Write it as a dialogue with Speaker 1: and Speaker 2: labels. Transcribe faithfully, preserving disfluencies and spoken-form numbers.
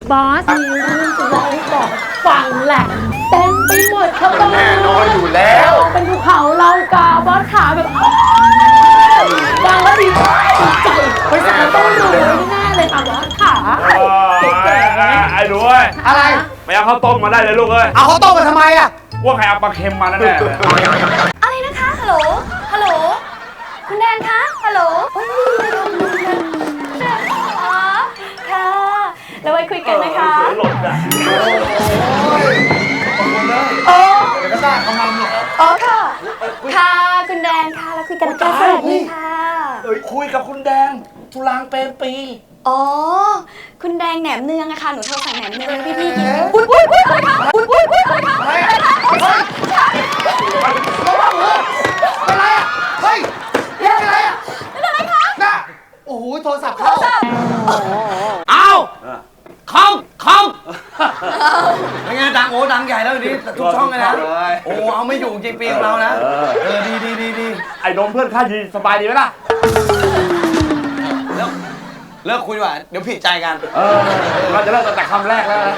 Speaker 1: บอสมีเรื่องจะเล่าให้บอกฟังแหละเต็มไปหมดครับบอส
Speaker 2: แน่นอนอยู่แล้ว
Speaker 1: เป็นภูเขาเล่ากาบอสขาแบบฟังแล้วดีใจบริษัทเราต้องรู้แน่เลยค่ะบอสขาเก๋ๆนะ
Speaker 3: ไอ้ดูเว้ย
Speaker 2: อะไร
Speaker 3: ไปเอาข้าวต้มมาได้เลยลูกเอ้ย
Speaker 2: เอาเขาวต้มมาทำไมอ่ะ
Speaker 3: ว่าใครเอาปลาเค็มมาแน่ๆเลย
Speaker 4: อะไรนะคะ ฮัลโหล ฮัลโหล คุณแดนคะ ฮัลโหลอ๋อค่ะ แล้วไว้คุยกันนะคะ
Speaker 3: หลบอ่ะ
Speaker 4: โอ้
Speaker 2: เดี๋ยวก็ได้เอามันเนี่ย
Speaker 4: อ๋อค่ะ ค่ะ คุณแดนค่ะ แล้วคุยกันนะคะสวัสดีค่ะ
Speaker 3: คุยกับคุณแดงทุลางเปรมปี
Speaker 4: อ๋อ คุณแดงแหนมเนืองอะค่ะ หนูโทรสั่งแหนมเนืองให้พี่ๆกิน อุ้ยอุ้ยอุ้ยอะไรคะอุ้ยอุ้ยอุ้ยอะไรคะ
Speaker 2: อะไรอ่ะอะไรอ่ะเฮ้ยเรียกอะไรอ่ะ
Speaker 4: เป็นอะไรคะ
Speaker 2: น่ะโอ้โหโทรศัพท์เข้า
Speaker 5: เอาคอมคอมเป็นไงดังโอ้ดังใหญ่แล้วทีนี้ทุกช่องเลยนะโอ้เอาไม่อยู่จริงปีของเรานะเออดีดีดีดี
Speaker 3: ไอ้โดมเพื่อนข้าดีสบายดีไหมล่ะ
Speaker 5: แล้วเลิกคุยดีกว่าเดี๋ยวผิดใจกัน
Speaker 3: เออเราจะเลิกตั้งแต่คำแรกแล้วนะ